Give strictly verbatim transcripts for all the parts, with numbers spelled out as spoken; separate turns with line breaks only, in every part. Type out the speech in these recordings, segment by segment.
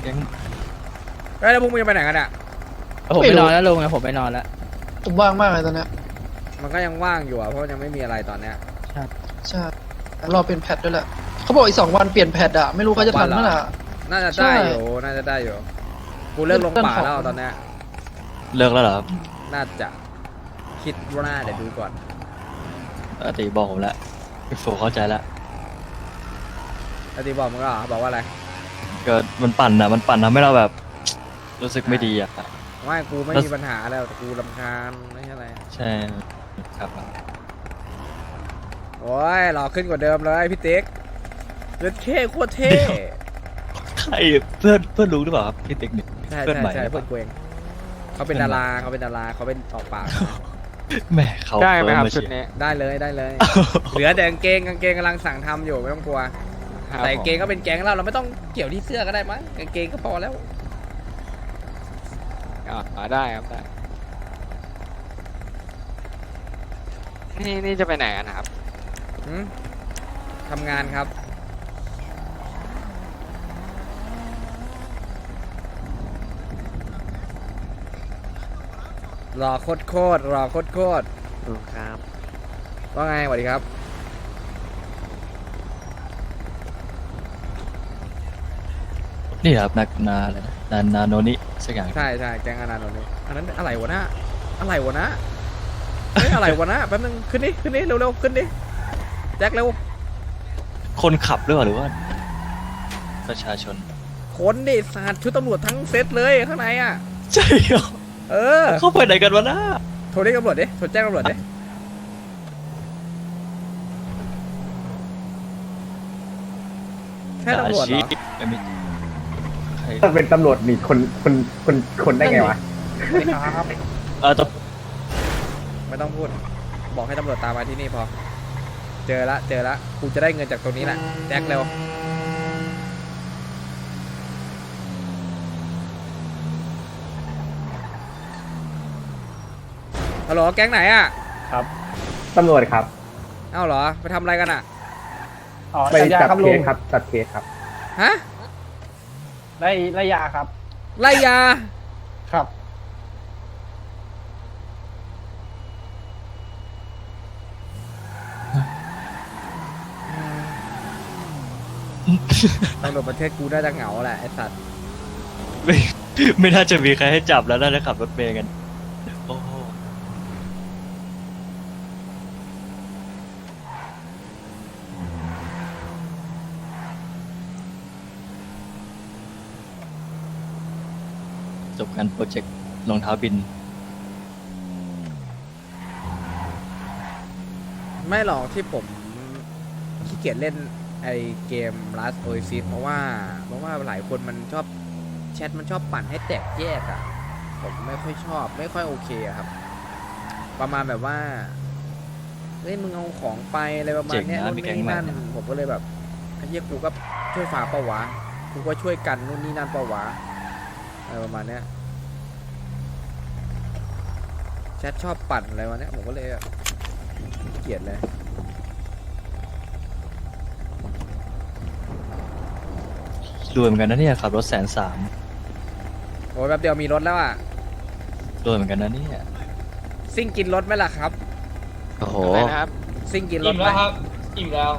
ก๊ง
เอ้ยแล้วพวกมึงจะไปไหนกันอ่ะ
ผมไปนอนแล้วลุงนะผมไปนอนแล้ว
ผมว่างมากเลยตอนเนี้ย
มันก็ยังว่างอยู่อ่ะเพราะยังไม่มีอะไรตอนเนี้ย
ใช่รอเปลี่ยนแพทด้วยแหละเขาบอกอีกสองวันเปลี่ยนแพทอะไม่รู้เขาจะทันเมื่อไหร่อะ
น่าจะ
ใช่
ได้อยู่น่าจะได้อยู่กูเลิกลงป่าแล้วตอนเนี้ย
เลิกแล้วเหรอครับ
น่าจะคิดว่าน่าเดี๋ยวดูก่อน
เออตีบอกผมแล้วพี่โฟเข้าใจแล้ว
แล้วทีบอกมึงก็เหรอบอกว่าอะไร
ก็มันปั่นอ่ะมันปั่นทำให้เราแบบ รู้สึกไม่ดีอ่ะ
ไม่กูไม่
แล้ว
มีปัญหาแล้วแต่กูรำคาญไม่ใช่อะไร
ใช่ครับ
โอ้ยหล่อขึ้นกว่าเดิมเลยพี่ติ๊กเลือดเท่โคตรเท่
ใครเพื่อนเพื่อนรู้หรือเปล่าครับพี่ติ๊กเนี่ย
ใช่
เพื่อน
ใช่
ใหม่
ใช่
หรือเป
เพื่อ
ล่าน
กูเองเขาเป็นดาราเขาเป็นดาราเขาเป็นออกปาก
แหมเขา
ได้ไหมครับ
เฟิ
ชุ
ร์
ด
มาเชีย
นี้
ได้เลยได้เลย เหลือแต่กางเกงกางเกงกำลังสั่งทำอยู่ไม่ต้องกลัว
ครับ
แต่กางเกงก็เป็นแก๊งเราเราไม่ต้องเกี่ยวที่เสื้อก็ได้มั้งกางเกงก็พอแล้ว
อ่าได้ครับได้นี่นี่จะไปไหนกันนะครับ
หืมทำงานครับรอโคตรโคตรรอโคตรโคตร
ครับ
ว่าไงสวัสดีครับ
นี่ครับนักนาอะไรนะนานาโนนิสักอย่าง
ใช่ใช่แก๊งอนาโนนี่อันนั้นอะไรวะนะอะไรวะนะเฮ้ยอะไรวะนะแป๊บนึงขึ้นดิขึ้นดิเร็วๆขึ้นดิแจ็คเร็ว
คนขับหรือเปล่าหรือว่า ประชาชน
ขนดิสาดชุดตำรวจทั้งเซตเลยข้างในอ่ะ
ใช่เหรอ
เออ
เข้าไปไหนกันวะน้า
โทรเรียกตำรวจดิโทรแจ้งตำรวจดิแค่ตำรวจเหรอ
ไม่มีใคร
ถ้าเป็นตำรวจนี่คนคนคนคนได้ไงวะ
เออตบ
ไม่ต้องพูด บอกให้ตำรวจตามมาที่นี่พอ เจอละเจอละกูจะได้เงินจากตรงนี้แหละแจ็คเร็วฮัลโหลแก๊งไหนอ่ะ
ครับตำรวจครับ
เอ้าเหรอไปทำอะไรกันอ่ะ
อ๋อ
ไป
จับยา
จับ
ครับ
เค
ลุง
สครับจับเคสครับ
ฮะ
ไล่ไล่ยาครับ
ไล่ยา
ครับ
ตำรวจประเทศกูน่าจะเหงาแหละไอ้สัตว์
ไม่ไม่น่าจะมีใครให้จับแล้วน่าจะขับรถเมย์กันโอ้โหจบการโปรเจกต์รองเท้าบิน
ไม่หรอกที่ผมขี้เกียจเล่นไอเกม Last Oasis เพราะว่าเพราะว่าหลายคนมันชอบแชทมันชอบปั่นให้แตกแยกอะ่ะ ผมไม่ค่อยชอบไม่ค่อยโอเคอะครับ ประมาณแบบว่าเฮ้ยมึงเอาของไปอะไรประมาณเนี้ย
เจ๋งนะ
นู่น
มีแก๊ง
นี่
ใหม่
นั่น
นะ
ผมก็เลยแบบไอ้เหี้ยกูก็ช่วยฝากเปล่าวะกูก็ช่วยกันนู่นนี่นั่นเปล่าวะอะไรประมาณเนี้ยแชทชอบปั่นอะไรวะเนี้ยผมก็เลยแบบขี้เกลียดเลย
รวยเหมือนกันนะเนี่ยขับรถแสนสาม
โอ้ยแป๊บเดียวมีรถแล้วอ่ะ
รวยเหมือนกันนะเนี่ย
ซิ่งกินรถไหมล่ะครับ
โอ้โห
อะไรนะครับ
ซิ่งกินรถ
อิ่ม
ไหม
แล้วครับ อิ่มแล้ว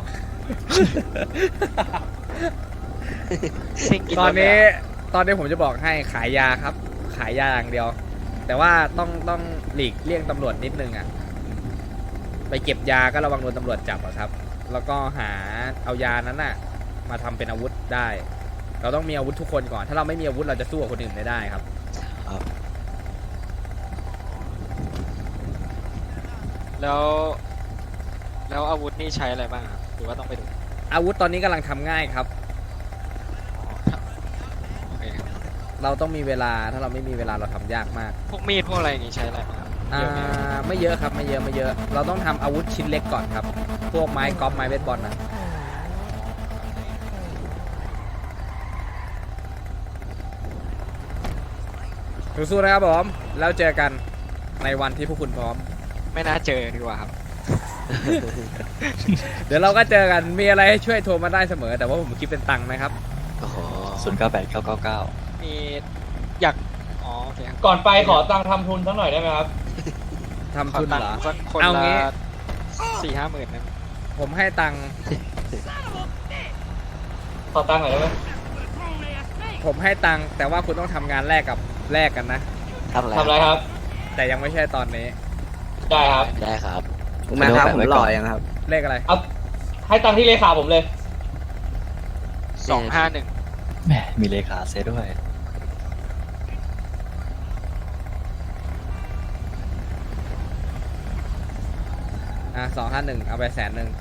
ซิ่งกิน
ตอนนี้
รถเลยะ
ตอนนี้ผมจะบอกให้ขายยาครับ ขายยาอย่างเดียว แต่ว่าต้องต้องหลีกเลี่ยงตำรวจนิดนึงอ่ะ ไปเก็บยาก็ระวังโดนตำรวจจับอะครับ แล้วก็หาเอายานั้นน่ะ มาทำเป็นอาวุธได้ เราต้องมีอาวุธทุกคนก่อน ถ้าเราไม่มีอาวุธเราจะสู้กับคนอื่นไม่ได้ครับ
แล้ว แล้วอาวุธนี่ใช้อะไรบ้างครับหรือว่าต้องไปดู
อาวุธตอนนี้กำลังทำง่ายครับ
โอเคครับ
เราต้องมีเวลา ถ้าเราไม่มีเวลาเราทำยากมาก
พวกมีดพวกอะไรอย่างงี้ใช้อะไรบ้างครับ
อ่า
เยอะไหมครับ
ไม่เยอะครับไม่เยอะไม่เยอะ เราต้องทำอาวุธชิ้นเล็กก่อนครับ พวกไม้กอล์ฟไม้เบสบอลนะสู้ๆนะครับผมแล้วเจอกันในวันที่พวกคุณพร้อม
ไม่น่าเจอดีกว่าครับ
เดี๋ยวเราก็เจอกันมีอะไรให้ช่วยโทรมาได้เสมอ แต่ว่าผมคิดเป็นตังค์นะครับ
โอ้โหศูนย์เก้าแปดเก้าเก้าเก้า
มีอยากอ๋อโอเคครับ
ก่อนไปขอตังค์ทำทุนสักหน่อยได้ไหมครับ
ทำทุนเหรอ
ขตังค์สักคน
เอา
ละ
งี้
สี่ห้าหมื่นนะ
ผมให้ตังค์
ขอตังค์หน่อยได้ไหม
ผมให้ตังค์แต่ว่าคุณต้องทำงานแลกกับแลกกันนะ
ทำอะไร
ทำอะไรครับ
แต่ยังไม่ใช่ตอนนี้
ได้ครับ
ได้ครับ
มาครับผมหล่อยังครับ
เลขอะไร
เอาให้ตังค์ที่เลขาผมเลย
สองห้าหนึ่ง
แหมมีเลขาเซด้วย
อ่ะสองห้าหนึ่งเอาไปแสนหนึ่ง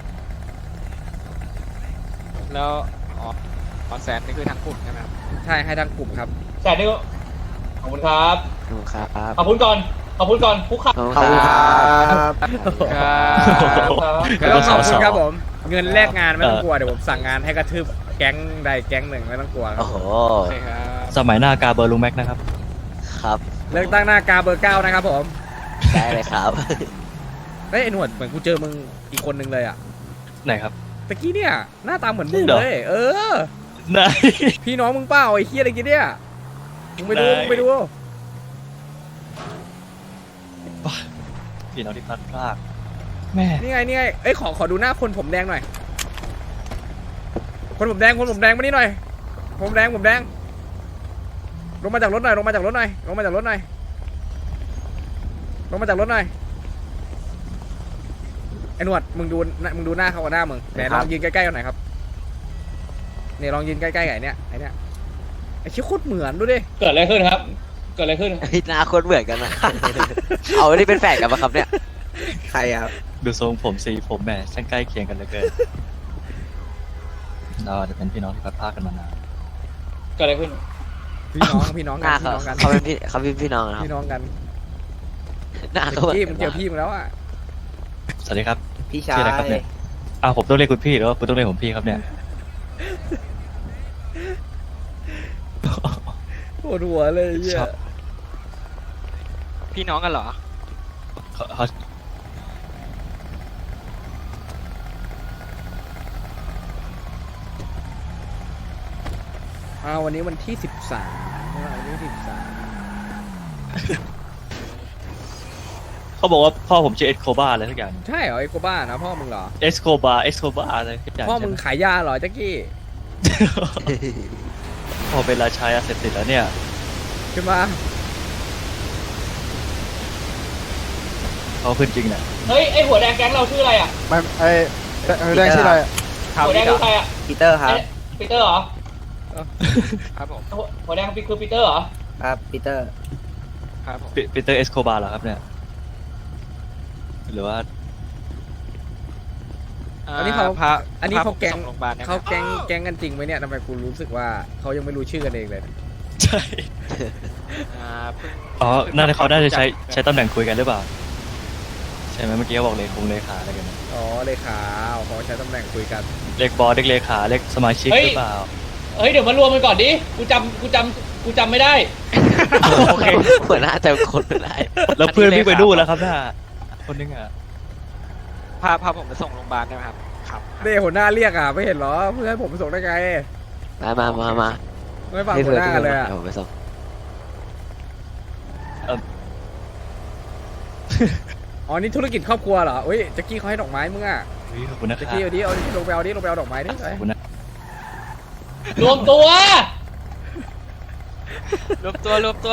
แล้วอ๋ออ๋อแสนนี่คือทั้งกลุ่มใช่ไหมครับ
ใช่ให้ทั้งกลุ่มครับ
แต่นี่ก็ขอบคุณครับ
ขอบคุณครับ
ขอบคุณก่อน ขอบคุณก่อนคุกเข่า
ขอบคุณครับ
ครับ
ครับ
ก็ต้องขอบคุณ
สอ
ครับผม เงินแลกงานไม่ต้อง
เออ
กลัวเดี๋ยวผมสั่งงานให้กระทืบแก๊งใดแก๊งหนึ่งไม่ต้องกลัวครั
โอ้
บ
โห
โอเคครับ
สมัยหน้ากาเบอร์ลุงแม็กนะครับ
ครับ
เลือกตั้งหน้ากาเบอร์เก้านะครับผม
ได้เลยครับ
เฮ้ยไอ้หนวดเหมือนกูเจอมึงอีกคนนึงเลยอ่ะ
ไหนครับ
ตะกี้เนี่ยหน้าตาเหมือนมึง
จริงเหรอ
เลย เออ
ไหน
พี่น้องมึงเปล่าไอ้เฮียอะไรกี้เนี่ยมึงไปดู
ได้
มึงไปดู
พี่น้องที่พลัดพรากแม่
นี่ไงนี่ไงเอ้ยขอขอดูหน้าคนผมแดงหน่อย คนผมแดงคนผมแดงมานี่หน่อย ผมแดงผมแดง ลงมาจากรถหน่อยลงมาจากรถหน่อยลงมาจากรถหน่อยลงมาจากรถหน่อยไอ้หนวดมึงดูมึงดูหน้าเขากับหน้ามึงไหนลองยืนใกล้ๆกันหน่อยครับเนี่ยลองยืนใกล้ๆกับไอ้เนี่ยไอ้เนี่ยไอ้เชี่ยโคตรเหมือนดูดิ
เกิดอะไรขึ้นครับ เกิดอะไรขึ้น
พี่หน้าโคนเหมือนกันนะ เอานี่เป็นแฝดกันปะครับเนี่ย
ใครครับ
ดูทรงผมสีผมแหมช่างใกล้เคียงกันเหลือเกินเราอาจจะเป็นพี่น้องที่พลัดพรากกันมานาน
เกิดอะไรขึ้น
พี่น้องพี่น้อง
ห
กั
น้าน
พี่
เขา
น้องกัน
เขาเป็นพี่เขาเป็นพี่น้องนะครับ
พี่น้องกัน
หน้าเขาเหมือน
พี่
กั
มึ
น
งเจอพี่มึงแล้วอ่ะ
สวัสดีครับ
พี่ชาย
ชื่ออะไรครับเนี่ยอ้าวผมต้องเรียกคุณพี่หรือว่าคุณต้องเรียกผมพี่ครับเนี่ย
ปวดหัวเลยเหี้ย
ชอบ
พี่น้องกันเหรอ
เขาเขา
อ่าวันนี้วันที่สิบสามวันนี้สิบสาม
เขาบอกว่าพ่อผมชื่อเอสโคบาอะไรสักอย่าง
ใช่เหรอไอ้โกบ้านะพ่อมึงเหรอ
เอสโคบาเอสโคบาอะไรสักอย่าง
พ่อมึง
ใช่ไห
ขายยาเหรอแจ็คกี้
พ่อเป็นราชายาเสพติดแล้วเนี่ย
ขึ้นมา
เขาขึ้นจริงนะ
เฮ้ย ไอหัวแดงแก๊งเราชื่ออะไรอ่ะ
ไม่ไอ้แดงชื่ออะไร
หัวแดงคือใครอ่ะ
ปีเตอร์ครับ
เอ๊ะปีเตอร์เหรอ
ครับผม
หัวหัวแดงคือปีเตอร์เหรอ
ครับปีเตอร์
ครับผม
ปีเตอร์เอสโคบาเหรอครับเนี่ยหรือว่า
อันนี้เขา
พา
อันนี้เขา
พผม
แก๊ง
ส่โรงพยาบาลได้ไหม
เขาแก๊งแก๊งกันจริงไหมเนี่ยทำไมกูรู้สึกว่าเขายังไม่รู้ชื่อกันเองเลย
ใช่
อ่าเพิ่ง
อ๋อน่าจะเขาน่าจะใช้ใช้ตำแหน่งคุยกันหรือเปล่าใช่ไหมเมื่อกี้เขาบอกเลขคงเลขาอะไรกันนะ
อ๋อเลขาเขาใช้ตำแหน่งคุยกัน
เลขบอสเลขเลขาเลขสมาชิก
เฮ้ย
หรือเปล่า
เฮ้ย เดี๋ยวมารวมกันก่อนดิ กูจำกูจำกูจำไม่ได้
โอเค
หัวหน้าแต่คนไม่ได้
แล้วเพื่อนวิ่งไปดูนแล้วครับน่าคนนึงอ่ะ
พาพาผมไปส่งโรงพยาบาลได้ไหมครับ ครับ
เด้หัวหน้าเรียกอ่ะไม่เห็นเหรอเพื่อให้ผมไปส่งได้ไง
มามามามา
ไม่ฟัง
ให้
หัวหน้าเลยอ่ะ
ดี๋วผมไปส่ง
อ๋อนี่ธุรกิจครอบครัวเหรอเฮ้ยแจ็คกี้เขาให้ดอกไม้มึงอ่ะ
เฮ้ยขอบคุณนะค
แจ็
รั
ค
บ
กี้เอาดิเอาดิลงไปเอาดิลงไปเอาดอกไม้ดิไป
ขอบคุณนะ
รวมตัว
รวมตัวรวมตัว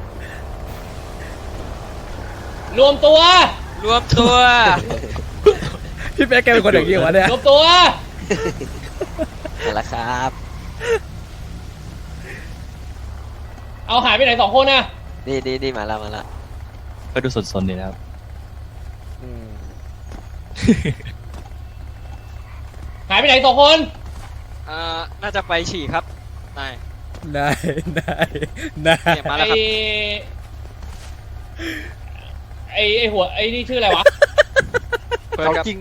รวมตัว
รวมตัว
พี่เป๊กแกเป็นคนอย่างนี้วะเนี่ย
รวมตัว
นั่นแหละครับ
เอาหายไปไหนสองคนน่ะ
นี่นี่นี่มาแล้วมาแล้ว
ก็ดูสนๆดีนะครับ
อืม
หายไปไหนสองคน
อ่าน่าจะไปฉี่ครับนาย
นายนายนาย
เนี่ยมา
ไอ
แล้วครับ
ไอไอหัวไอนี่ชื่ออะไรวะ
เปิดครับ
จริง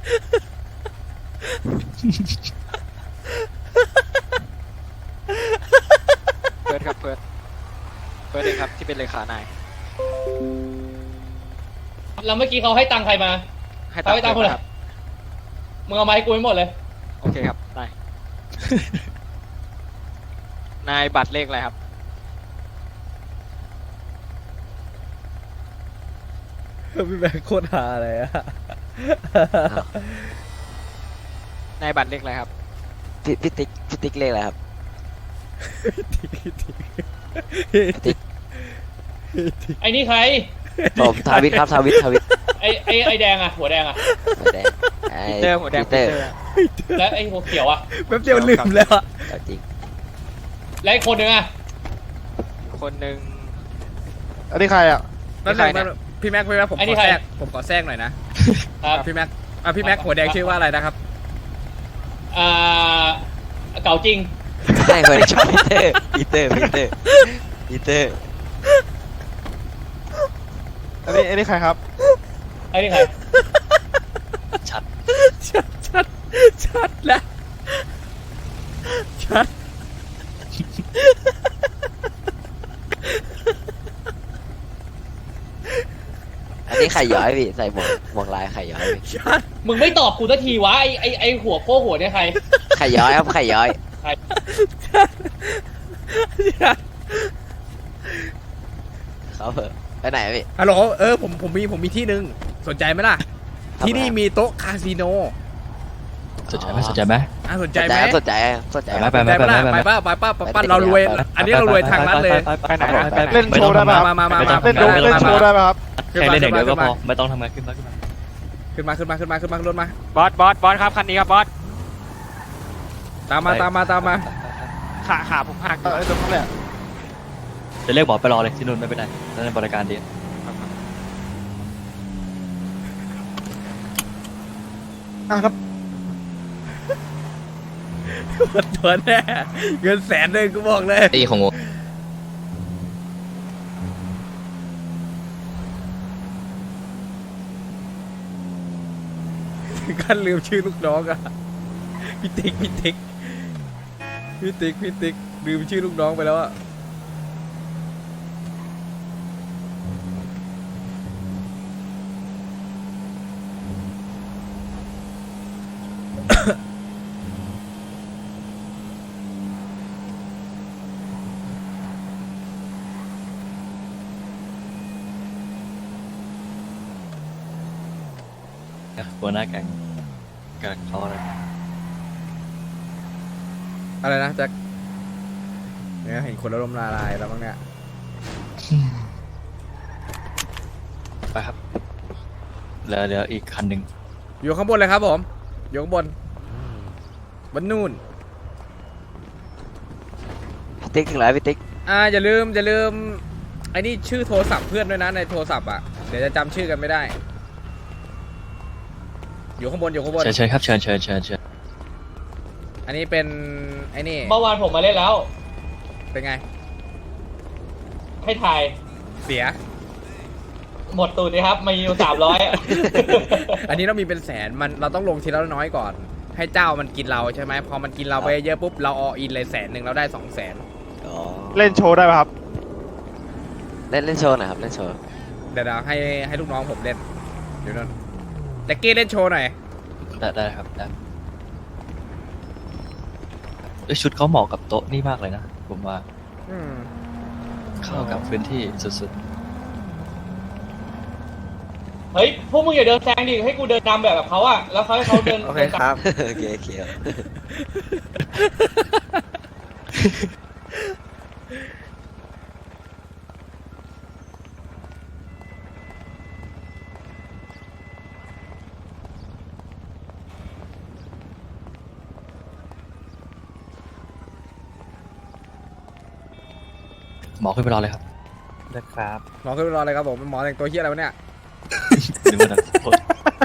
เปิดครับเปิดเปิดเองครับที่เป็นเลขานาย
แล้วเมื่อกี้เขาให้ตังค์ใครมา
ให้
เขาให้ตังค์คนไหน
ครับ
มึงเอามาให้กูให้หมดเลย
โอเคครับนายนายบัตรเลขอะไรครับ
พี่แบงค์โคตรฮาเลยอะ
นายบัตรเลขอะไรครับ
พี่พี่ติ๊กพี่ติ๊กเลขอะไรครับ
ไอ้นี่ใคร
ผมทาวิทครับทาวิททาวิท
ไอ้ไอ้ไอ้แดงอะหัวแดงอะ
หัวแดงไอ้
ปีเตอร์หัวแดง
ปี
ปี
เตอ
เต
ร์
อร์
แล้วไอ้หัวเขียวอะ
แป๊บเดียวลืมแล้วอะ
เอาจริง
แล้วไอ้คนหนึงอะ
คนหนึ่ง
อันนี้ใครอ่ะ
นั่น
ใคร
แหละ
เนี่ย
พี่แม็กพี่แม็กผม
ไอ้
ข
นี่
อ
ใคร
แทรกผมขอแทรกหน่อยนะครับ พี่แม็กอ่ะพี่แม็กหัวแดงชื่อว่าอะไรนะครับ
อ่าเก่าจริง
ใช่หัวแดงชอบปีเตอร์ปีเตอร์ปีเตอร์ปีเตอร์
อันนี้อันนี้ใครครับ
ไอ้นี่ใคร
ชัด
ชัดชัดชัดแล้วชัด
อันนี้ไข่ย้อยพี่ใส่หมวกหมวกลายไข่ย้อยพี่
ชัด
มึงไม่ตอบกูสักทีวะไอ้ไอ้ไอ้หัวโป้หัวเนี่ยใคร
ไข่ย้อยครับไข่ย้อย
ชัดชัด
เขาเหอะไปไหนอะพี่
ฮัลโหลเออผมผมมีผมมีที่หนึ่งสนใจไหมล่ะ
ทำไม
ที่นี่มีโต๊ะคาสิโน
สนใจไหมสนใจไหม
อ่ะสน
ส
ใจ
น
ไห
ใจ
ม
ครับสนใจสนใจครับ
ไป
สนใจไหมล่ะไปป้าไปป้าไปป้าเรารวย อันนี้เรารวยทางรัฐเลย
ไปไหนไป
เล่นโชว์ได้ปะ
มามามา
ไม่
มา
ต้อง
เล่นโชว์เล่นโชว์ได้ป่ะครับ
แค่เล่นอย่างเดียวก็พอไม่ต้องทำงานขึ้นมาขึ้นมา
ขึ้นมาขึ้นมาขึ้นมาขึ้นมาขึ้นรถมา
บอสบอสบอสครับคันนี้ครับบอส
ตามมาตามมาตามมา
ขาขาผมหักอ
เอยู่ อไอ้ตรงนั้นแหละ
จะเรียกบอกไปรอเลยที่นู่นไม่เป็นไรนั่นบริการดี
อ่ะครับ
หมดตัวแน่เงินแสนเลยกูบอกเลย
ตีของ
ถึงขั้นลืมชื่อลูกน้องอะพี่ติ๊กพี่ติ๊กพี่ติ๊กพี่ติ๊กลืมชื่อลูกน้องไปแล้วอะ
หัวหน้าแก๊งกับเขาอะไร
อะไรนะแจ็คเนี่ยเห็นคนแล้วลมละลายแล้วมั้งเนี่ย
ไปครับเหลือเหลืออีกคันหนึ่ง
อยู่ข้างบนเลยครับผมอยู่ข้างบนบนนู่น
พี่ติ๊กถึงแล้วพี่ติ๊ก
อ่าอย่าลืมอย่าลืมไอ้นี่ชื่อโทรศัพท์เพื่อนด้วยนะในโทรศัพท์อ่ะเดี๋ยวจะจำชื่อกันไม่ได้ อยู่ข้างบนอยู่ข้างบน
เชิญเชิญครับเชิญเชิญเชิญเชิญ
อันนี้เป็นไอ้นี่
เมื่อวานผมมาเล่นแล้ว
เป็นไง
ให้ถ่าย
เสีย
หมดตูดเลยครับมีอยู่สามร้อย
อันนี้เรามีเป็นแสนมันเราต้องลงทีละน้อยก่อน ให้เจ้ามันกินเราใช่ไหมพอมันกินเราไปเยอะปุ๊บเราออินเลยแสนหนึ่งเราได้สองแสน
อ๋อ
เล่นโชว์ได้ป่ะครับ
เล่นเล่นโชว์หน่อยครับเล่นโชว์
เดี๋ยวเราให้ให้ลูกน้องผมเล่นเดี๋ยวนั่นแจ็คกี้เล่นโชว์หน่อย
ได้ได้ครับได้เอ้ยชุดเขาเหมาะกับโต๊ะนี่มากเลยนะผมว่า
อืม
เข้ากับพื้นที่สุด
เฮ้ยพวกมึงอย่าเดินแซงดิให้กูเดินนำแบบแบบเขาอะแล้วเขาให้เขาเดิน
โอเคครับ
โอเคโอเคครับ
ๆหมอขึ้นไปรอเลยครับ
ได้ครับ
หมอขึ้นไปรอเลยครับผมหมอแต่งตัวเฮี้ยอะไรวะเนี่ย
หรือว่าจะโทษ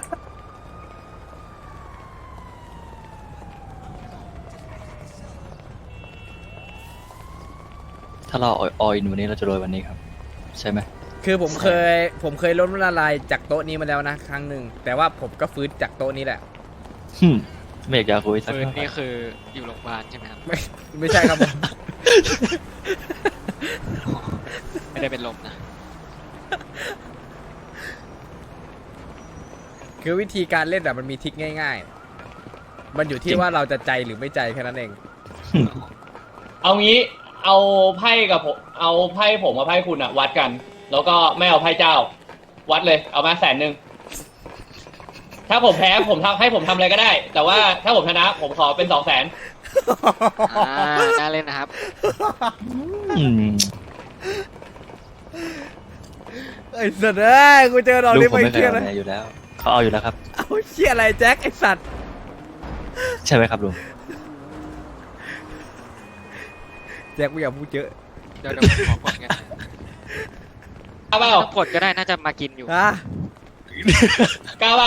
ถ้าเราอออินวันนี้เราจะรวยวันนี้ครับ ใช่ไหม
คือผมเคยผมเคยล้มละลายจากโต๊ะนี้มาแล้วนะครั้งหนึ่งแต่ว่าผมก็ฟื้นจากโต๊ะนี้แหละ
ฮึมไม่อยากจะคุยสัก
ปืน
เท่าไหร่
นี่คืออยู่โรงพยาบาลใช่ไหมครับ
ไม่ไม่ใช่ครับผม
ไม่ได้เป็นลมนะ
คือวิธีการเล่นอะมันมีทริคง่าย ๆ มันอยู่ที่ว่าเราจะใจหรือไม่ใจแค่นั้นเอง
เอางี้เอาไพ่กับผมเอาไพ่ผมกับไพ่คุณอะวัดกัน แล้วก็ไม่เอาไพ่เจ้า วัดเลยเอามาแสนหนึ่งถ้าผมแพ้ผมทำให้ผมทำอะไรก็ได้ แต่ว่าถ้าผมชนะผมขอเป็นสองแสน
อ่าน่าเล่นนะครับ
อืม
ไอ้สัตว์เอ้ยกูเจอดอก
ลู
นี้
กผม
ไม่
ไม่เค
เครี
ย
ยด
เอา
เลย
แน่อยู่แล้ว เขาเอาอยู่แล้วครับ
เอาเชี่ยอะไรแจ็คไอ้สัตว์
ใช่ไหมครับลุง
แจ็คกูอย่าพูดเยอะ
เดี๋ยวเดี๋ยวผมขอกดกัน
กล้าเปล่า
ต้องกดก็ได้น่าจะมากินอยู่
ฮะ
กล้าเปล่า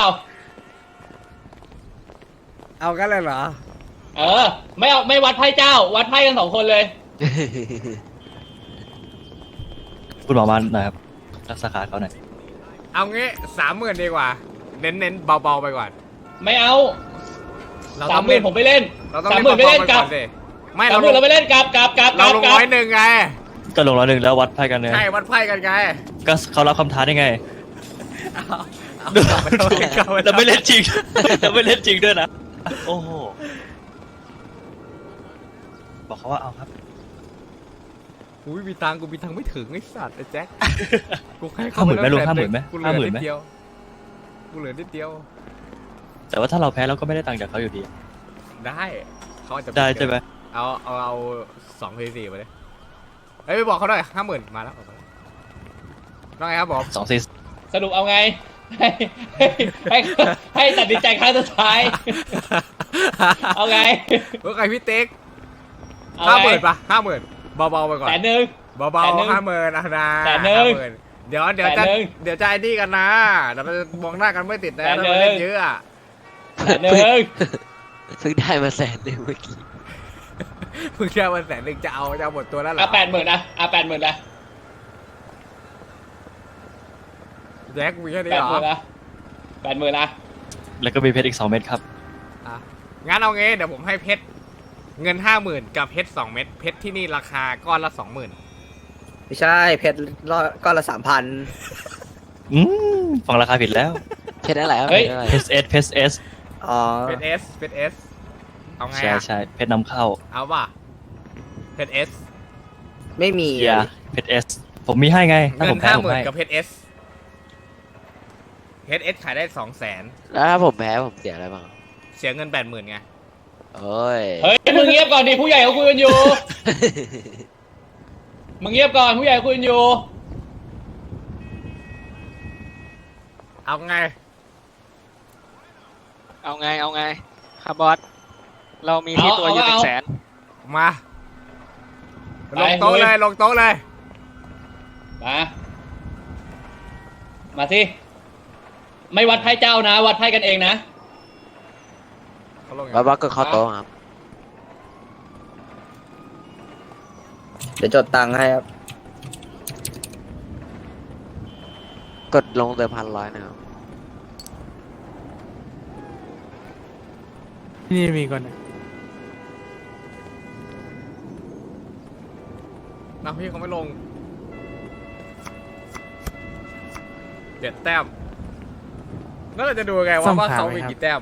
เอากันเลยเหรอ
เออ ไม่เอาไม่วัดไพ่เจ้า วัดไพ่กันสองคนเลย
คุณหมอมาหน่อยครับรักษาขาเขาหน่อย
เอางี้สามหมื่นดีกว่า เน้นเน้นๆเบาๆไปก่อน
ไม่เอา
เรา
สา
ต้
ม
อง
หมื่นผมไปเล่น
เราต้อง
สาม
เล่น
หมื่นไป
เบา
เล่น
ๆไป
กลั
ก่อบ นสิไม่
สา
เรา
มหมื่นเราไปเล่นกลับกลับกลับก
เรา
ลับ
ลง
กลั
ร้
บ
อยหนึ่งไง
ก็ลงร้อยหนึ่งแล้ววัดไพ่กันเลย
ใช่วัดไพ่กันไง
ก็เขารับคำท้าได้ไง
เอาเอากลับไปเอากลับป
เราไม่เล่นจริง เราไม่เล่นจริงด้วยนะ โอ้โห บอกเขาว่าเอาครับ
กูไม่มีตังค์กูมีตังค์ไม่ถึงไอ้สัตว์ไอ้แจ็คกูให้
ห้าหมื่นไหมลุง
แส
ห้าหมื่นไหม
กูเหลื
ห้า
อ
หมื่น
นิ
ไหม
ดเดียวกูเหลือนิดเดียว
แต่ว่าถ้าเราแพ้เราก็ไม่ได้ตังค์จากเขาอยู่ดี
ได้เขาอาจจะ
ได้ใช่ไหม
เอาเอาเอาสองเพย์สี่มาเลยเฮ้ยไปบอกเขาหน่อยห้าหมื่นมาแล้วออกมาแล้วว่าไงครับผม
สองซี
สรุปเอาไง ให้ให้ให้ตัดสินใจครั้งสุดท้าย เอาไง
ว่าไงพี่เต็ก
เอา
ห้าห
ไง
มื่นปะห้าหมื่นเบาๆไปก่อน
แสนหนึ่ง
เบา
แสนหนึ่ง
ๆห้าหมื่นนะนะ
แสนหนึ่ง
50,000เดี๋ยวเดี๋ยวจะ
แสนหนึ่ง
เดี๋ยวจะไอ้นี่กันนะเดี๋ยวเราจะมองหน้ากันไม่ติดนะ
แสน
ถ้า
หนึ่
เรา
ง
เล่นเยอะอะ
แสนหนึ่ง
เพิ่งได้มาแสนหนึ่งเมื่อกี้
เพิ่งแค่วันแสนหนึ่งจะเอาจะเอาหมดตัวแล้วเหรอ
อ่ะแปดหมื่นนะอ่ะแปดหมื่นนะ
แจ็คมีแค่นี้
แปด
เหร
หมื่
อน
นะแปดหมื่นนะ
แล้วก็มีเพชรอีกสองเม็ดครับ
อ่ะงั้นเอางี้เดี๋ยวผมให้เพชรเงินห้าหมื่นกับเพชรสองเม็ดเพชรที่นี่ราคาก้อนละสองหมื่น
ไม่ใช่เพชรรอดก้อนละสามพัน
อืมฟังราคาผิดแล้ว
เพชรอะไรครับ
เฮ้ย
เพชรอะไร
เพชรเอสเพชรเอส
อ๋อ
เพชรเอสเพชรเอสเอาไง
ใช่
อะ
ใช่เพชรนำเข้า
เอาป่ะเพชรเอส
ไม่มี
เอย่าเพชรเอสผมมีให้ไงถ้า
เงิ
ผ
น
มแพ้
ห้า
ผ
ห
ม
มื่น
ให้
กับเพชรเอสเพชรเอสขายได้สองแสน
แล้วถ้าผมแพ้ผมเสียอะไรบ้าง
เสียเงินแปดหมื่นไง
โอ้ย
เฮ้ยมึงเงียบก่อนดิผู้ใหญ่เขาคุยกันอยู่ มึงเงียบก่อนผู้ใหญ่คุยกันอยู่
เอาไง
เอาไงเอาไงครับบอสเรามีที่ตัวอยู่หนึ่งแสน
มา
ไป
ลงโต๊ะ
ลุย
เลยลงโต๊ะเลย
มา มาสิ ไม่วัดไพ่เจ้านะ วัดไพ่กันเองนะ
เขาลงยัง
บาบาก็เข้าโต๊ะครับ
เดี๋ยวจดตังค์ให้ครับ
กดลงเดิมพันร้อยนะครับ
นี่มีก่อน
นะพี่เขาไม่ลงเจ็ดแต้มแล้วเราจะดูไงว่าว่าเขามีกี่แต้ม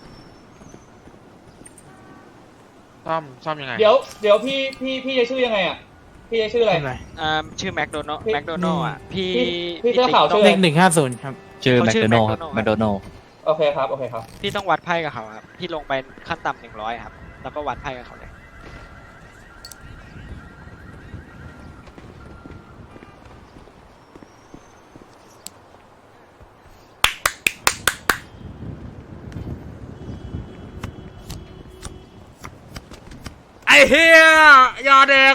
ซ่อมซ่อมยังไง
เดี๋ยว เดี๋ยวพี่ พี่ พี่จะชื่อยังไงอ่ะ พี่จะชื่ออะไร
อ่าชื่อแมคโดนัล
พี่
แมคโดนัลอ่ะพี่
พี่เสื้อขาวชื่อ
เลขหนึ่งห้าศูนย์ครับ
ชื่อ
เขา
แมค
ชื่อ
โดนัลด์ครับ
McDonald
แมคโดนัลด์
โอเคครับ โอเคครับ
พี่ต้องวัดไพ่กับเขาครับพี่ลงไปขั้นต่ำหนึ่งร้อยครับแล้วก็วัดไพ่กับเขาเลย
ไอ้เฮียอย่าเด็ก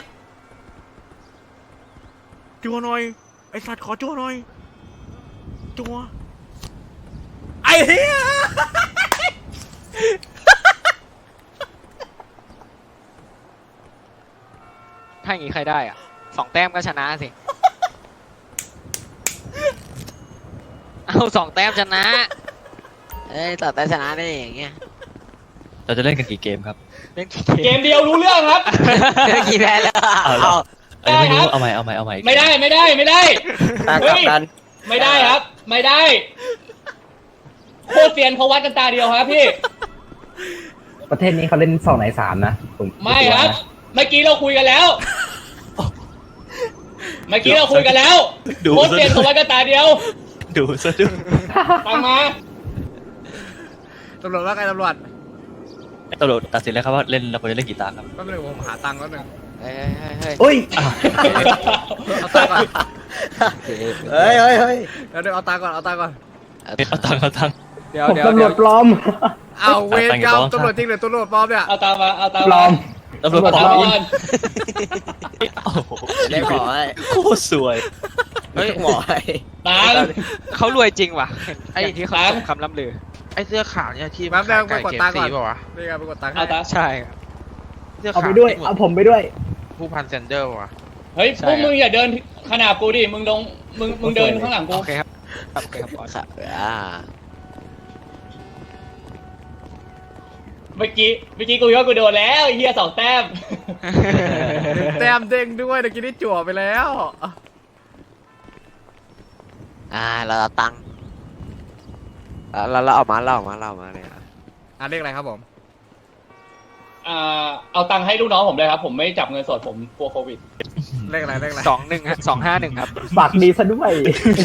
จัวหน่อยไอ้สัตว์ขอจัวหน่อยจัวไอ้เฮีย
ถ้าอย่างงี้ใครได้อ่ะสองแต้มก็ชนะสิ เอาสองแต้มชนะ
เอ้ยต่อแต่ชนะได้อย่างเงี้ย
เราจะเล่นกันกี่เกมครับ
เล่นกี่
เก
เก
ม
ม
เดียวรู้เรื่องครับ
เมื่อกี้แพ้แล้ว
เอาเหรอ เอ้ยไม่รู้เอาใหม่เอาใหม่เอาใหม่
ไม่ได้ ไม่ได้ ไม่ได้
ตากลับกัน
ไม่ได้ครับ ไม่ได้ โคตรเซียนเขาวัดกันตาเดียวครับพี่
ประเทศนี้เขาเล่นสองในสามนะผม
ไม่ครับ เมื่อกี้เราคุยกันแล้วเมื่อกี้เราคุยกันแล้ว
ดู
โค้ด
ซะ
เปลี่ยนของวันกระตายเดียว
ดูซะด้วย
ตังมา
ตำรวจว่าไงตำรวจ
ตำรวจตัดสินแล้วครับว่าเล่นเราควรจะเล่นกี่ตาครับ
แป๊บนึงผมหาตังค์แป๊บนึง
เฮ้ยเฮ้ยเฮ้ย
อุ้ย
เอาตังค์ก่อน
เฮ้ยเฮ้ยเฮ้ย
เดี๋ยวเดี๋ยวเอาตังค์ก่อนเอาตังค์ก่อน
เอาตังค์เอาตังค์
เดี๋ยว
ผม
เดี๋ยว
ตำร
เดี๋
ว
ยว
จปลอม
เอาเวรกรรม
ตังค์อยู่
ตำรวจจริงหรือตำรวจปลอมเนี่ย
เอาตามมาเอาตาม
ปล
มา
อม
ตำรวจปล
ตา
อ
ม
ม
ก่อน
โอ้โห
ได้ขอให้
โคตรสวย
เฮ้ย
หมอให้
ตัง
เขารวยจริงว่ะ
ไอ้
อย่างที่เขา
ตัง
คำล่ำลือ
ไอ้เสื้อขาวเนี่ยที่
แป๊บนึงไป
ขาย
กด
ไก่
ตังค์
เก
ก่อน
ฟซีป่าวะ
นี่ไงไปกดตังค์ให้
เอาตา
ใช่ครับ
เสื้อ
เอา
ขาว
ไปด้วย
ที่หม
เอาผมไปด้วย
ผู้พันเซนเดอร์ป่าวะ
เฮ้ยพวกมึงอย่าเดินขนาบกูดิมึงลงมึงมึงเดินข้างหลังกู
โอเคครับโอเคครับบอส
ค่ะอ่า
เมื่อกี้เมื่อกี้กูคิดว่ากูโดนแล้วไอ้เหี้ยสองแต้ม
แต้มเด้งด้วยเมื่อกี้ได้จั่วไปแล้ว
อ่าเราเอาตังค์เราเราเอามาเราเอามาเราเอามาเลยอ่ะ
อ่ะเลขอะไรครับผม
อ่าเอาตังค์ให้ลูกน้องผมเลยครับ ผมไม่จับเงินสดผมกลัวโควิด
เลขอะไรเลขอะไร
สองหนึ่งฮะสองห้าหนึ่งครับ
ฝากดีซะด้วย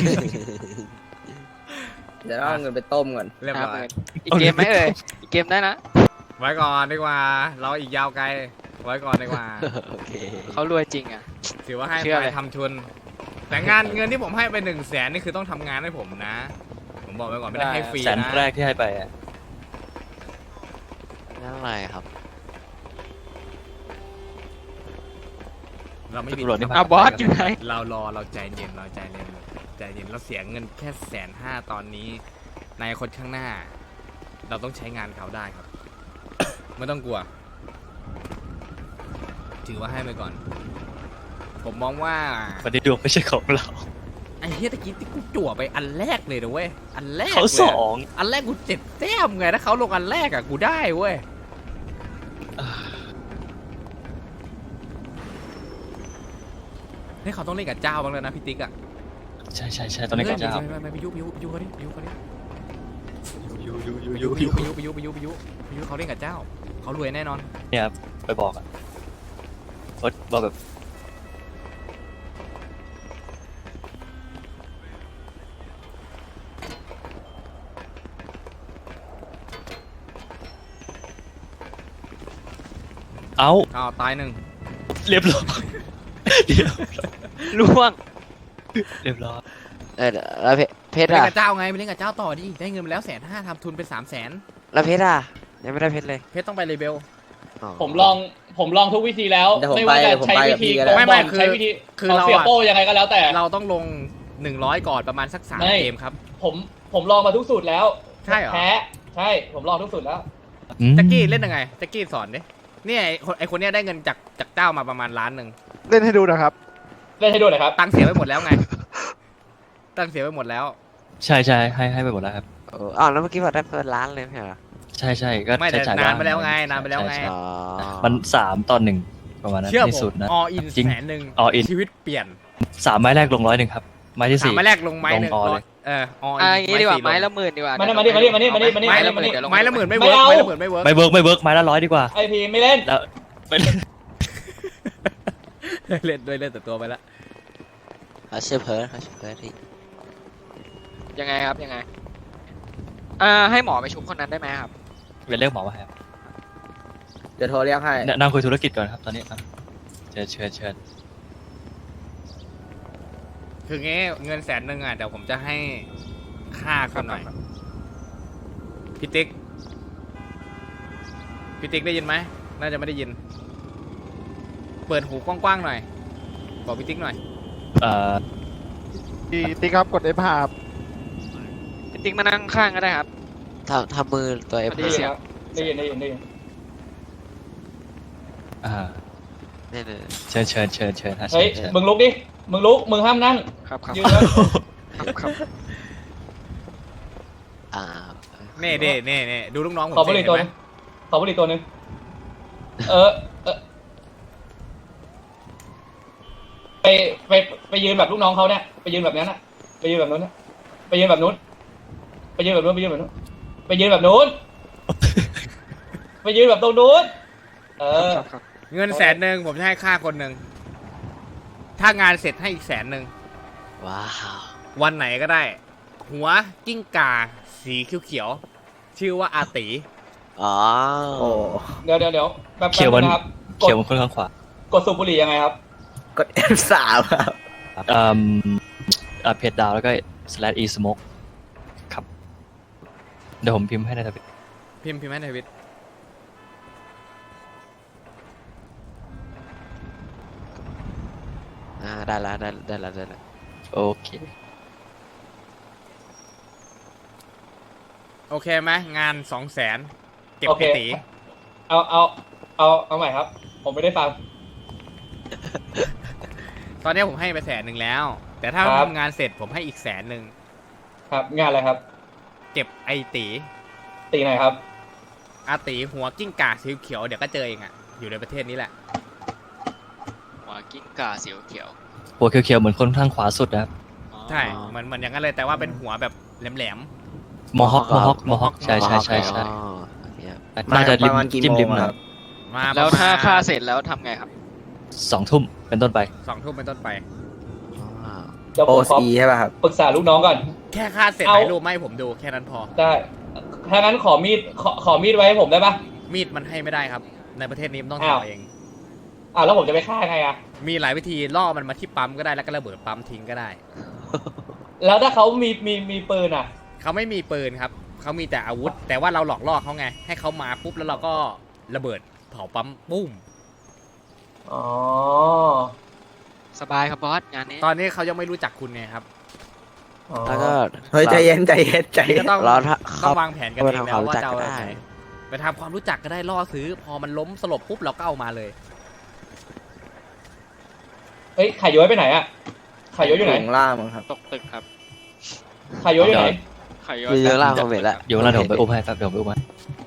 เดี๋ยวเอาเงินไปต้มก่อน
เรียบ
ห้า
ร้
ห
อย
มื่นอีกเกมไหมเอ่ยอีกเกมได้นะ
ไว้ก่อนดีกว่า เราอีกยาวไกล ไว้ก่อนดีกว่า
โอเค
เขารวยจริงอ่ะ
ถือว่าให้
เชื่อ
ไป
เลย
ทำทุน แต่งานเงินที่ผมให้ไปหนึ่งแสนนี่คือต้องทำงานให้ผมนะ ผมบอกไว้ก่อนไม่ได้ให้ฟรี
แสน
นะ
แรกที่ให้ไปอะ
นั่นอะไรครับ
เราไม่มี
ตำรวจนี่
อ่ะบอสอยู่ไหน
เรารอเราใจเย็นเราใจเย็นใจเย็นเราเสียเงินแค่แสนห้าตอนนี้ ในอนาคนข้างหน้า เราต้องใช้งานเขาได้ครับ ไม่ต้องกลัว ถือว่าให้ไปก่อน ผมมองว่า
วันนี้ดวงไม่ใช่ของเรา
ไอ้เฮียตะกี้ที่กูจั่วไปอันแรกเลยนะเว้ยอันแรก
เขา
เลย
ส
อะ
อง
อันแรกกูเจ็ดแต้มไงถ้าเขาลงอันแรกอะกูได้เว้ยนี่เขาต้องเล่นกับเจ้าบ้างแล้วนะพี่ติ๊กอะ
ใช่ใช่ใช่ตอนนี้ก็จะ
ไม่ไม่ไม่ไปยุไปยุไปยุเขาดิไปยุเขาดิ
ยูยูยู
ไป
ยู
ยุ
ยู
ไปยุไปยุไปยุไปยุไปยุเขาเล่นกับเจ้าเขารวยแน่นอน
เนี่ยครับไปบอกอ่ะโอ๊ตบอกแบบเอา
อ้าวตายหนึ่ง
เรียบร้อยเรียบ
ล่วง
เรียบร้อย
เออแล้วเพเพชร
ไปเล่น
อ่ะ
กับเจ้าไงไปเล่นกับเจ้าต่อดิได้เงินมาแล้วแสนห้าทำทุนเป็นสามแสน
แล้วเพชรอ่ะยังไม่ได้เพชรเลย
เพชรต้องไปเลเบล
ผมลองผมลองทุกวิธีแล้ว
เดี๋ยวผม
ไม่ว่าจะ
ไปผม
ใช้
ไป
วิ
กับ
ธี
พี่ก็
โก
ได้
ง
ไม่
บ
ไม่
อล
คือ
ใช้วิธี
คือ
เอา
เรา
เสีย
อะ
โป้ยังไงก็แล้วแต่
เราต้องลงหนึ่งร้อยก่อนประมาณสักสาม
ไม่
เกมครับ
ผมผมลองมาทุกสูตรแล้ว
ใช่เหรอ
แพ้ใช่ผมลองทุกสูตรแล้ว
อืม
แจ็กกี้เล่นยังไงแจ็กกี้สอนดิเนี่ยไอ้คนไอคนเนี้ยได้เงินจากจากเจ้ามาประมาณล้านหนึ่ง
เล่นให้ดูนะครับ
เล่นให้ดูหน่อยครับ
ตังค์เสียไปหมดแล้วไง ตังค์เสียไปหมดแล้ว
ใช่ใช่ให้ให้ไปหมดแล้วครับ
เอออ้าวแล้วเมื่อกี้บอกได้เปิดร้านเลยไม่ใช่เหรอ
ใช่ใช่ก็
ไม่แต่
ใช้จ่าย
นาน
บ้ง
ไปแล้วไงนานไปแล้วไง
ใช่ใช่
อ๋อ
มันสามตอนหนึ่งประมาณนั้น
เชื่อ
ที่
ผ
สุ
ม
ดนะ
ออิน
จริง
แสนหนึ่ง
all in
ชีวิตเปลี่ยน
สามไม้แรกลงร้อยหนึ่งครับ ไม้ที่
สาม
สี่
ไม้แรกลงไม้หนึ่ง
ลง all
ร้อ
เลย ย
เอออ
อ่ะ
อิ
อน ย่างนี้ดีกว่า
สี่
ไม้
ล
ละ
ง
หมื่นดีกว่า
มานี่มานี่มานี่มานี่มานี่มานี่
ไม้
มา
ละ
นี่
ห
มา
มื่น
นี่
ไม้ละหมื่นไม่
ไม่
เวิร์ก
เอา
ไม้ละหมื่นไม่เวิร์ก
ไม่เวิร์กไม่เวิร์กไม้ละร้อยดีกว่า
ไอพีไม่เล่น
แล้วไปเล่น
เล่นด้วยเล่นแต่ตัวไปละ
เขาชื่อเพิร์ดเขาชื่อเพิร์ดที่
ยังไงครับยังไงอ่าให้หมอไปชุบคนนั้นได้ไหมครับ
ไปเรียกหมอมาครับ
เดี๋ยวโทรเรียกให้
นั่งคุยธุรกิจก่อนครับตอนนี้ครับเชิญเชิญเชิญ
คืองี้เงินแสนหนึ่งอ่ะเดี๋ยวผมจะให้ค่าคุณหน่อยพี่ติ๊กพี่ติ๊กได้ยินไหมน่าจะไม่ได้ยิน เปิดหูกว้างๆหน่อยบอกพี่ติ๊กหน่อย
เอ่อ
ดีติ๊กครับกด F ห้าครับ
พี่ติ๊กมานั่งข้างก็ได้ครับ
ทำทำมือตัวเอฟ
ได้ยินเสียง
ได้ยินได้ยินได้ยิน
อ่า
เนี่ยเนี่ย
เชิญเชิญเชิญเชิญฮะ
เฮ้ย
เชิญ
มึงลุกดิมึงลุกมึงห้ามนั่ง
ครับครับ
ยืนไว้
ครับครับ
อ่า
เน่เน่เน่เน่ดูลูกน้องผม
ขอบุหรี่ตัว
เห็
นึ
น
ง
ไหม
ขอบุหรี่ตัวนึงเออเออไปไปไปยืนแบบลูกน้องเขาเนี่ยไปยืนแบบนั้นน่ะไปยืนแบบนู้นน่ะไปยืนแบบนู้นไปยืนแบบนู้นไปยืนแบบนู้นไปยืนแบบนู้นไปยืนแบบตรงนู้นเออ
ครับครับ
เงินแสนหนึ่งผมจะให้ค่าคนหนึ่งถ้างานเสร็จให้อีกแสนหนึ่ง
ว้าว
วันไหนก็ได้ หัวกิ้งก่าสีเขียวๆชื่อว่าอาติ
อ๋อ
โอ้
เดี๋ยวเดี๋ยวเดี๋ยวแป๊บ
เขียว
ๆ
มัน
นะครับ ก
เขี
ด
ยวมันค่อนข้างขวาก
ดสูบบุหรี่ยังไงครับ
กด เอฟ สาม ครับ
เอ่ออ่าเพจดาวแล้วก็ slash e smoke ครับ เดี๋ยวผมพิมพ์ให้ในทวิต
พิมพ์พิมพ์ให้ในทวิต
อ่าได้แล้วได้ได้แล้วได้แล้ว
โอเค
โอเคไหมงานสองแสนเก็บ
โอ
ไป
เค
ตี
เอาเอาเอาเอาใหม่ครับ ผมไม่ได้ฟัง
ตอนนี้ผมให้ไปแสนหนึ่งแล้ว แต่ถ้า
ครับ
ทำงานเสร็จผมให้อีกแสนหนึ่ง
ครับ งานอะไรครับ
เก็บไอตี
ตีไหนครับ
อาตีหัวกิ้งก่าสีเขียวเดี๋ยวก็เจอเองอะอยู่ในประเทศนี้แหละ
หัวกิ้งก่าสีเขียว
หัวเขียวๆเหมือนคนข้างขวาสุดนะครับ
อ๋อ
ใช่เหมือนเหมือนอย่างนั้นเลยแต่ว่าเป็นหัวแบบแหลม
มอฮอคมอฮอคมอฮอคใช่ใช่ใช่ใช่
อ๋อโอเคครับ
น่าจะริม
ประมาณกี่
จิ้ม
โม
ริ
ง
ม
อะ
นะ
ค
ค
รั
รับ บ
ๆมา
แล้วถ้า
ประมณ
ค่าเสร็จแล้วทำไงครับ
สองทุ่มเป็นต้นไป
สองทุ่มเป็นต้นไป
อ๋อ
เดี๋ยว
โอ
ผมขอ
ซีใช่ป่ะครับ
ปรึกษาลูกน้องก่อน
แค่ค่าเสร็จ
เอา
ถ่ายรูปมาให้ผมดูแค่นั้นพอ
ได้ ถ้างั้นขอมีด ขอขอมีดไว้ให้ผมได้ปะ
มีดมันให้ไม่ได้ครับ ในประเทศนี้มันต้อง
อ้าว
ทำเอง
อ่าแล้วผมจะไปฆ่าไงอะ
มีหลายวิธีล่อมันมาที่ปั๊มก็ได้แล้วก็ระเบิดปั๊มทิ้งก็ได้
แล้วถ้าเขามีมีมีปืนอะ
เขาไม่มีปืนครับเขามีแต่อาวุธ แต่ว่าเราหลอกล่อเขาไง ให้เขามาปุ๊บแล้วเราก็ระเบิดเผาปั๊มปุ้ม
อ๋อ
สบายครับบอสงานนี้
ตอนนี้เขายังไม่รู้จักคุณไงครับ
อ๋อ
แล้วก็
เฮ้ยใจเย็นใจเย็นใจ
นี่
เย็
ก็
น
ต้อง
เราถ้า
ต้
เขา
องวางแผนกันเอง
เราทำ
แล้วว่า
ความรู้จัก
จะเอา
ก็
แบบ
ได้
ไหนไปทำความรู้จักก็ได้ล่อซื้อ พอมันล้มสลบปุ๊บเราก็เอามาเลย
เฮ้ยไข่ย้อยไปไหนอะไข่ย้อยอยู่ไหน
ข้างล่างมั้งครับ
ตกตึกครับ
ไข่ย้อยอยู่ไหน
ไข่
อยู่ข้างล่างผมเห็นแล้ว
อยู่ข้างล่างเดี๋ยวผมไปอุ้มให้แป๊บเดี๋ยวผมไปอุ้มให้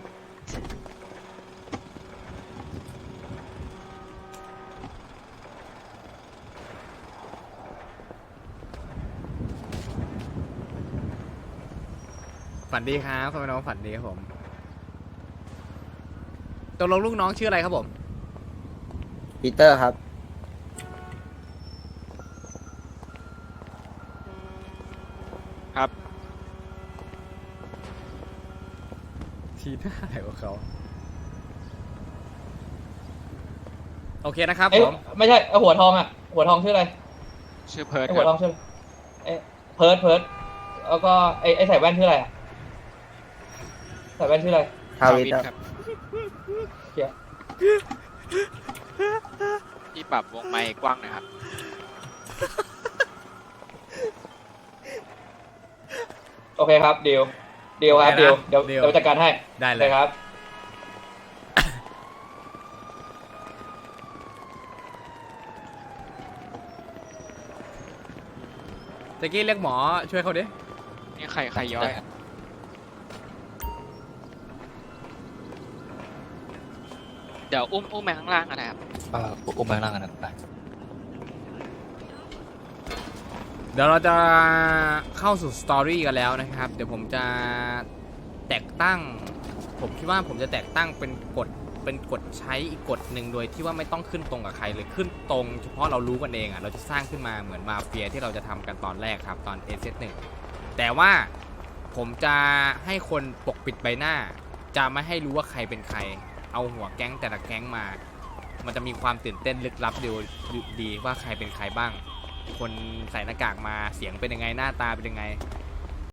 ฝันดีครับพ่อแม่น้องฝันดีครับผมตกลงลูกน้องชื่ออะไรครับผม
ปีเตอร์ครับ
ครับ
ทีหน้าอะไรของเขาโอเคนะครับ
เอ้ย
ผม
ไม่ใช่เอาหัวทองอะหัวทองชื่ออะไร
ชื่อเพิร์ด
ไอ้
ค
หัวท
รั
อบ งชื่ออะไรเอ้ยเพิร์ดเพิร์ดแล้วก็ไอ้ไอ้ใส่แว่นชื่ออะไรอะใส่แว่นชื่ออะไร
ทาวิท
ครับ
เกีย
ที่ปรับวงไมค์กว้างหนะครับ
โอเคครับเดียวเดียวครับเดียวเดี๋ยว
เดี๋ยว
เดี๋ยวจัดการให้
ได้เล
เลย ยครับ
ตะกี้เรียกหมอช่วยเขาดิ
นี่ไข่ไข่ย้อยอะเดี๋ยวอุ้มอุ้มไปข้างล่างกันนะครับ
อ่าอุ้มไปข้างล่างกันนะไป
เดี๋ยวเราจะเข้าสู่สตอรี่กันแล้วนะครับ เดี๋ยวผมจะแตกตั้ง ผมคิดว่าผมจะแตกตั้งเป็นกฎเป็นกฎใช้อีกกฎหนึ่งโดยที่ว่าไม่ต้องขึ้นตรงกับใครเลยขึ้นตรงเฉพาะเรารู้กันเองอ่ะเราจะสร้างขึ้นมาเหมือนมาเฟียที่เราจะทำกันตอนแรกครับตอน เอ เซ หนึ่ง แต่ว่าผมจะให้คนปกปิดใบหน้า จะไม่ให้รู้ว่าใครเป็นใคร เอาหัวแก๊งแต่ละแก๊งมา มันจะมีความตื่นเต้นลึกลับดีดีว่าใครเป็นใครบ้าง คนใส่หน้ากากมาเสียงเป็นยังไงหน้าตาเป็นยังไง